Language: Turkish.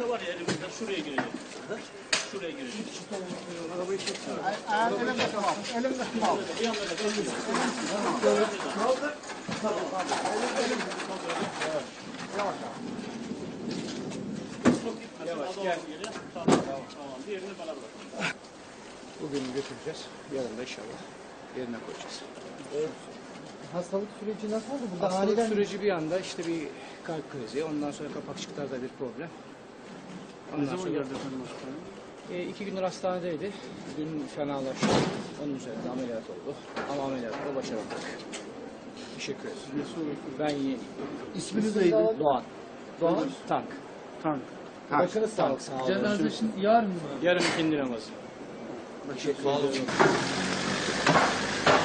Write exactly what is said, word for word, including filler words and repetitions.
Şurada var ya elimizde, şuraya girecek. Şuraya girecek. Arabayı çeksene. Elimde tamam. Elimde tamam. Bir yandan da kaldır. Tamam. Yavaş. Yavaş gel. Tamam. Tamam. Diğerini bana bırak. Bugün götüreceğiz. Yarın da inşallah yerine koyacağız. Evet. Hastalık süreci nasıl oldu? Burada Hastalık aniden... süreci bir anda işte bir kalp krizi, ondan sonra kapakçıklarda bir problem. Ondan sonra geldi efendim hastaneye? E, iki gündür hastanedeydi. Dün fenalaştı. Onun üzerinde ameliyat oldu. Ama ameliyatı başaramadık. Teşekkür ederim. Ben iyi. İsminiz neydi? Doğan. Doğan. Tank. Tank. Başınız sağ olun. Sağ olun. Cenaze şimdi yarın mı? Yarın ikindi namazı. Teşekkür ederim.